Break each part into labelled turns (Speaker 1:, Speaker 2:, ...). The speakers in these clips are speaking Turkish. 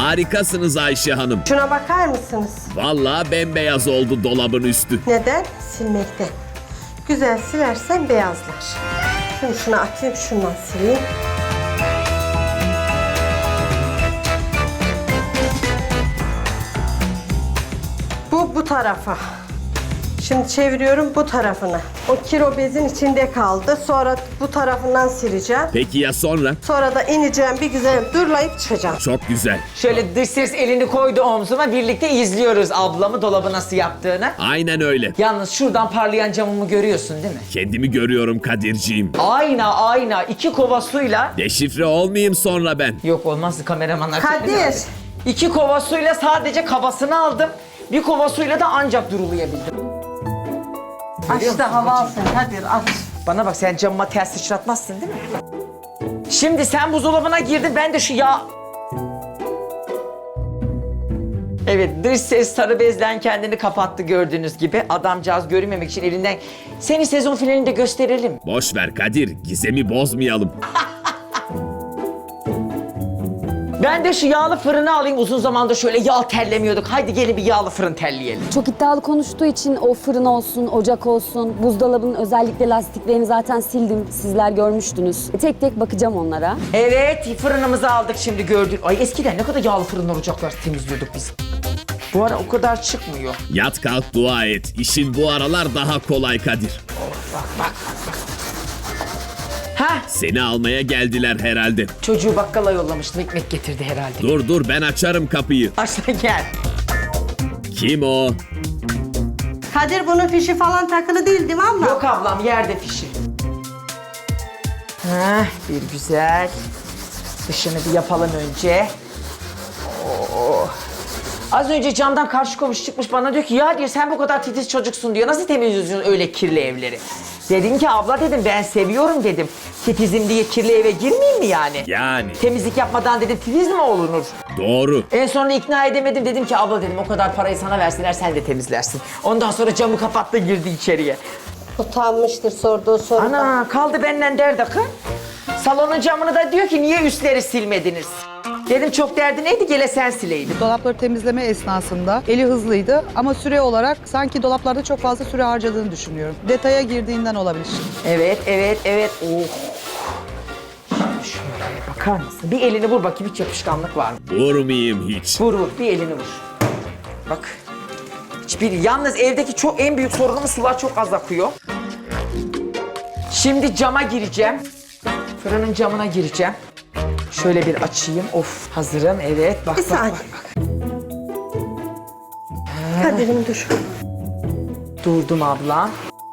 Speaker 1: Harikasınız Ayşe Hanım.
Speaker 2: Şuna bakar mısınız?
Speaker 1: Vallahi bembeyaz oldu dolabın üstü.
Speaker 2: Neden? Silmekten. Güzel silersen beyazlar. Şimdi şunu atayım, şundan sileyim. Bu tarafa. Şimdi çeviriyorum bu tarafını. O kiro bezin içinde kaldı. Sonra bu tarafından sileceğim.
Speaker 1: Peki ya sonra?
Speaker 2: Sonra da ineceğim, bir güzel durlayıp çıkacağım.
Speaker 1: Çok güzel.
Speaker 3: Şöyle dış ses elini koydu omzuma, birlikte izliyoruz ablamı dolabı nasıl yaptığını.
Speaker 1: Aynen öyle.
Speaker 3: Yalnız şuradan parlayan camımı görüyorsun değil mi?
Speaker 1: Kendimi görüyorum Kadirciğim.
Speaker 3: Ayna 2 kova suyla.
Speaker 1: Deşifre olmayayım sonra ben.
Speaker 3: Yok olmaz, kameramanlar.
Speaker 2: Kadir.
Speaker 3: 2 kova suyla sadece kabasını aldım. Bir kova suyla da ancak durulayabildim.
Speaker 2: Aç da hava alsın Kadir, aç.
Speaker 3: Bana bak, sen camıma ters sıçratmazsın değil mi? Şimdi sen buzdolabına girdin, ben de şu yağ... Evet, dış ses sarı bezden kendini kapattı gördüğünüz gibi. Adamcağız görünmemek için elinden... Seni sezon finalinde gösterelim.
Speaker 1: Boş ver Kadir, gizemi bozmayalım.
Speaker 3: Ben de şu yağlı fırını alayım. Uzun zamandır şöyle yağ terlemiyorduk. Haydi gelin bir yağlı fırın terleyelim.
Speaker 4: Çok iddialı konuştuğu için o fırın olsun, ocak olsun, buzdolabının özellikle lastiklerini zaten sildim. Sizler görmüştünüz. Tek tek bakacağım onlara.
Speaker 3: Evet, fırınımızı aldık şimdi gördük. Ay eskiden ne kadar yağlı fırınlar, ocaklar temizliyorduk biz. Bu ara o kadar çıkmıyor.
Speaker 1: Yat kalk dua et. İşin bu aralar daha kolay Kadir.
Speaker 3: Bak. Hah,
Speaker 1: Seni almaya geldiler herhalde.
Speaker 3: çocuğu bakkala yollamıştım. Ekmek getirdi herhalde.
Speaker 1: Dur ben açarım kapıyı.
Speaker 3: Aşağı gel.
Speaker 1: Kim o?
Speaker 2: Kadir, bunun fişi falan takılı değil mi abla?
Speaker 3: Yok ablam, yerde fişi. Hah, bir güzel. Dışını bir yapalım önce. Oo. Az önce camdan karşı komşu çıkmış bana diyor ki ya diyor sen bu kadar titiz çocuksun diyor. Nasıl temizliyorsun öyle kirli evleri? Dedim ki abla dedim ben seviyorum dedim. Titizim diye kirli eve girmeyeyim mi yani?
Speaker 1: Yani.
Speaker 3: Temizlik yapmadan dedim titiz mi olunur?
Speaker 1: Doğru.
Speaker 3: En sonunda ikna edemedim, dedim ki abla dedim o kadar parayı sana verseler sen de temizlersin. Ondan sonra camı kapattı girdi içeriye.
Speaker 2: Utanmıştır sorduğu soruda.
Speaker 3: Ana kaldı benden derdi kız. Salonun camını da diyor ki niye üstleri silmediniz? Dedim çok derdi neydi, gele sen sileydin.
Speaker 5: Dolapları temizleme esnasında eli hızlıydı ama süre olarak sanki dolaplarda çok fazla süre harcadığını düşünüyorum. Detaya girdiğinden olabilir.
Speaker 3: Evet. Oh. Şöyle bakar mısın? Bir elini vur bakayım, hiç yapışkanlık var mı?
Speaker 1: Vurmayayım hiç.
Speaker 3: Vur, bir elini vur. Bak. Hiçbir, yalnız evdeki çok en büyük sorunumuz sular çok az akıyor. Şimdi cama gireceğim. Fırının camına gireceğim. Şöyle bir açayım. Of, hazırım. Evet. Bak.
Speaker 2: Bir saniye. Kadir'im dur.
Speaker 3: Durdum abla.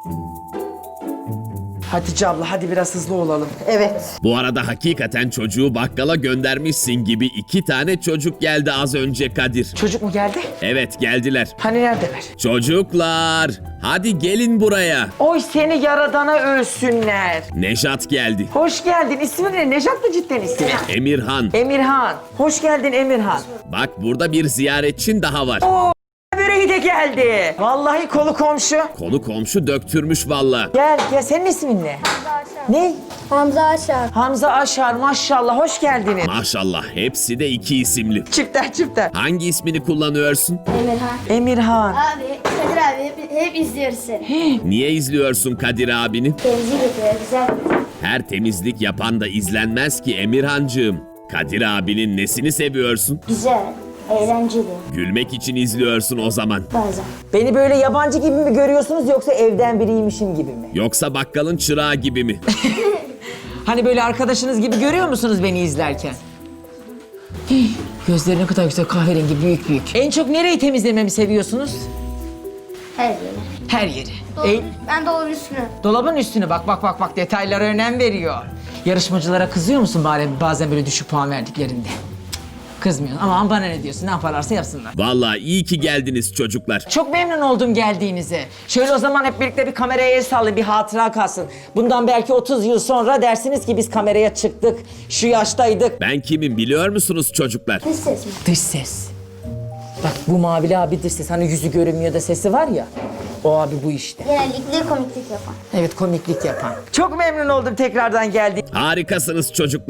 Speaker 3: Hatice abla hadi biraz hızlı olalım.
Speaker 2: Evet.
Speaker 1: Bu arada hakikaten çocuğu bakkala göndermişsin gibi 2 tane çocuk geldi az önce Kadir.
Speaker 3: Çocuk mu geldi?
Speaker 1: Evet geldiler.
Speaker 3: Hani neredeler?
Speaker 1: Çocuklar hadi gelin buraya.
Speaker 3: Oy seni yaradana ölsünler.
Speaker 1: Nejat geldi.
Speaker 3: Hoş geldin. İsmin ne? Nejat mı cidden ismi?
Speaker 1: Emirhan.
Speaker 3: Emirhan. Hoş geldin Emirhan.
Speaker 1: Bak burada bir ziyaretçin daha var.
Speaker 3: Böreği de geldi. Vallahi kolu komşu.
Speaker 1: Konu komşu döktürmüş valla.
Speaker 3: Gel senin ismin ne? Ne?
Speaker 6: Hamza Aşar.
Speaker 3: Hamza Aşar maşallah hoş geldiniz.
Speaker 1: Maşallah hepsi de 2 isimli.
Speaker 3: Çifter.
Speaker 1: Hangi ismini kullanıyorsun?
Speaker 6: Emirhan.
Speaker 3: Emirhan.
Speaker 6: Abi, Kadir abi hep izliyoruz seni.
Speaker 1: Niye izliyorsun Kadir abini?
Speaker 6: Temizlik yapıyor, güzel.
Speaker 1: Her temizlik yapan da izlenmez ki Emirhancığım. Kadir abinin nesini seviyorsun?
Speaker 6: Güzel, eğlenceli
Speaker 1: Gülmek için izliyorsun o zaman.
Speaker 6: bazen.
Speaker 3: Beni böyle yabancı gibi mi görüyorsunuz yoksa evden biriymişim gibi mi?
Speaker 1: Yoksa bakkalın çırağı gibi mi?
Speaker 3: Hani böyle arkadaşınız gibi görüyor musunuz beni izlerken? Hii, gözleri ne kadar güzel, kahverengi, büyük. En çok nereyi temizlememi seviyorsunuz?
Speaker 6: Her yeri.
Speaker 3: Her yeri.
Speaker 6: Ben dolabın üstüne.
Speaker 3: Dolabın üstüne bak detaylara önem veriyor. Yarışmacılara kızıyor musun bari bazen böyle düşük puan verdiklerinde? Kızmıyorsun ama bana ne diyorsun, ne yaparlarsa yapsınlar.
Speaker 1: Vallahi iyi ki geldiniz çocuklar.
Speaker 3: Çok memnun oldum geldiğinize. Şöyle o zaman hep birlikte bir kameraya el sallayın, bir hatıra kalsın. Bundan belki 30 yıl sonra dersiniz ki biz kameraya çıktık, şu yaştaydık.
Speaker 1: Ben kimim biliyor musunuz çocuklar?
Speaker 6: Dış ses mi?
Speaker 3: Dış ses. Bak bu mavili abi dış ses, hani yüzü görünmüyor da sesi var ya. O abi bu işte.
Speaker 6: Genellikle komiklik yapan.
Speaker 3: Evet, komiklik yapan. Çok memnun oldum tekrardan geldiğim.
Speaker 1: Harikasınız çocuklar.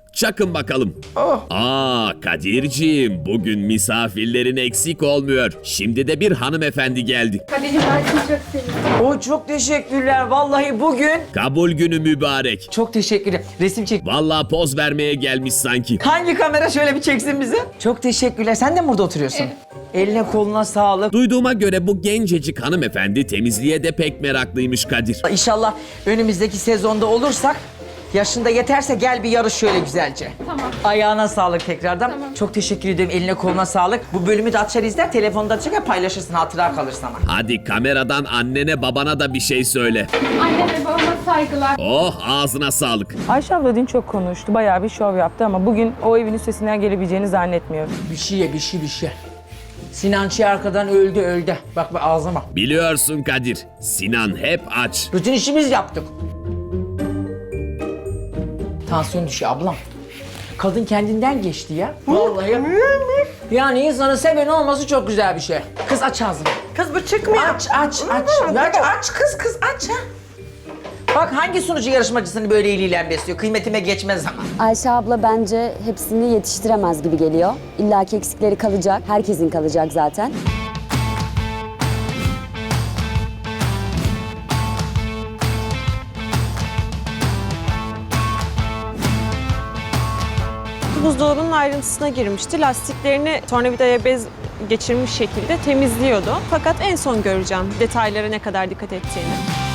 Speaker 1: Çakın bakalım.
Speaker 3: Oh.
Speaker 1: Kadir'ciğim bugün misafirlerin eksik olmuyor. Şimdi de bir hanımefendi geldi.
Speaker 3: Çok teşekkürler. Vallahi bugün
Speaker 1: Kabul günü mübarek.
Speaker 3: çok teşekkürler. Resim çek.
Speaker 1: Vallahi poz vermeye gelmiş sanki.
Speaker 3: Hangi kamera şöyle bir çeksin bizi? Çok teşekkürler. Sen de mi burada oturuyorsun? Eline koluna sağlık.
Speaker 1: Duyduğuma göre bu gencecik hanımefendi temizliğe de pek meraklıymış Kadir.
Speaker 3: İnşallah önümüzdeki sezonda olursak yaşında yeterse gel bir yarış şöyle güzelce. Tamam. Ayağına sağlık tekrardan. Tamam. Çok teşekkür ederim. Eline koluna sağlık. Bu bölümü de açar izler. Telefonda açar paylaşırsın. Hatıra kalır sana.
Speaker 1: Hadi kameradan annene babana da bir şey söyle.
Speaker 7: Anneme babama saygılar.
Speaker 1: Oh ağzına sağlık.
Speaker 8: Ayşe abla dün çok konuştu. Bayağı bir şov yaptı ama bugün o evin üstesinden gelebileceğini zannetmiyorum.
Speaker 3: Bir şey ye, bir şey. Sinançı arkadan öldü. Bak ağzıma.
Speaker 1: Biliyorsun Kadir, Sinan hep aç.
Speaker 3: Bütün işimiz yaptık. Tansiyon düşüyor ablam. Kadın kendinden geçti ya. Vallahi. Yani insanın seveni olması çok güzel bir şey. Kız aç ağzını.
Speaker 2: Kız bu çıkmıyor.
Speaker 3: Aç. Aç kız aç ha. Bak hangi sunucu yarışmacısını böyle eliyle besliyor? Kıymetime geçmez ama.
Speaker 4: Ayşe abla bence hepsini yetiştiremez gibi geliyor. İlla ki eksikleri kalacak. Herkesin kalacak zaten.
Speaker 9: Buzdolabının ayrıntısına girmişti. Lastiklerini tornavidaya bez geçirmiş şekilde temizliyordu. Fakat en son göreceğim detaylara ne kadar dikkat ettiğini.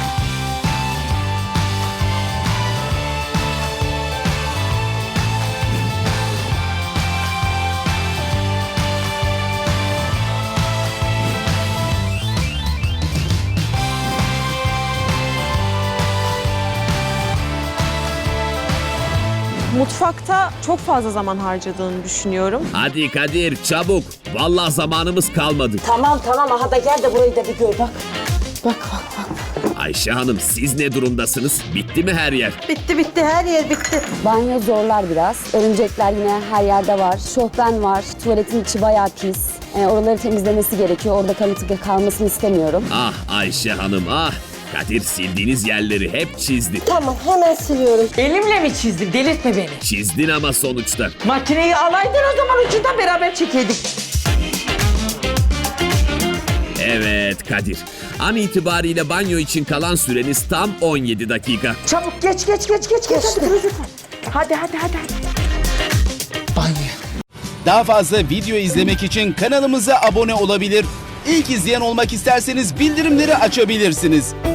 Speaker 9: Mutfakta çok fazla zaman harcadığını düşünüyorum.
Speaker 1: Hadi Kadir çabuk. Vallahi zamanımız kalmadı.
Speaker 3: Tamam aha da gel de burayı da bir gör bak. Bak.
Speaker 1: Ayşe Hanım siz ne durumdasınız? Bitti mi her yer?
Speaker 2: Bitti her yer bitti.
Speaker 4: Banyo zorlar biraz. Örümcekler yine her yerde var. Şofben var. Tuvaletin içi bayağı pis. Oraları temizlemesi gerekiyor. Orada kalıntı kalmasını istemiyorum.
Speaker 1: Ah Ayşe Hanım ah. Kadir sildiğiniz yerleri hep çizdi.
Speaker 2: Tamam hemen siliyorum.
Speaker 3: Elimle mi çizdim? Delirtme beni.
Speaker 1: Çizdin ama sonuçta.
Speaker 3: Makineyi alaydın o zaman ucundan beraber çekeydik. Evet
Speaker 1: Kadir. An itibariyle banyo için kalan süreniz tam 17 dakika.
Speaker 3: Çabuk geç. Hadi. Banyo.
Speaker 10: Daha fazla video izlemek için kanalımıza abone olabilir. İlk izleyen olmak isterseniz bildirimleri açabilirsiniz.